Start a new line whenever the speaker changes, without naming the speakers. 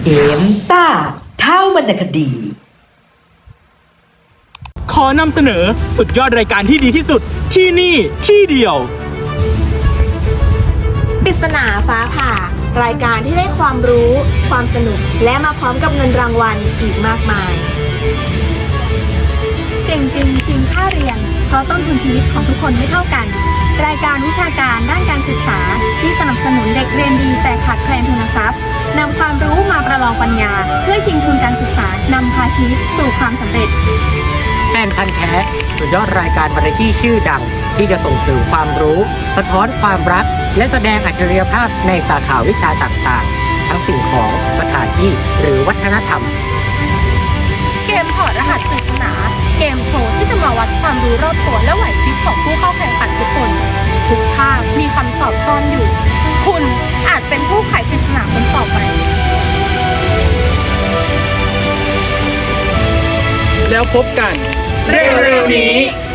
เกมซ่าเท่าวรรณคดี
ขอนำเสนอสุดยอดรายการที่ดีที่สุดที่นี่ที่เดียว
ปริศนาฟ้าผ่ารายการที่ได้ความรู้ ความสนุกและมาพร้อมกับเงินรางวัลอีกมากมาย
เก่งจริงชิงค่าเรียน เพราะต้นทุนชีวิตของทุกคนไม่เท่ากัน รายการวิชาการด้านการศึกษาที่สนับสนุนเด็กเรียนดีแต่ขาดแคลนทุนทรัพย์นำความรู้มาประลองปัญญา เพื่อชิงทุนการศึกษานำพาชีวิตสู่ความสำเร็จ
แฟนพันธ์แท้สุดยอดรายการวาไรตี้ชื่อดัง ที่จะส่งเสริมความรู้สะท้อนความรัก และแสดงอัจฉริยภาพในสาขาวิชาต่างๆ ทั้งสิ่งของสถานที่หรือวัฒนธรรม
เกมถอดรหัสปริศนา เกมโชว์ที่จะมาวัดความรู้รอบตัวและไหวพริบของผู้เข้าแข่งขันทุกคน ทุกภาพมีคำตอบซ่อนอยู่ คุณอาจเป็นผู้ไขปริศนาคนต่อไป
แล้วพบกันเร็วๆนี้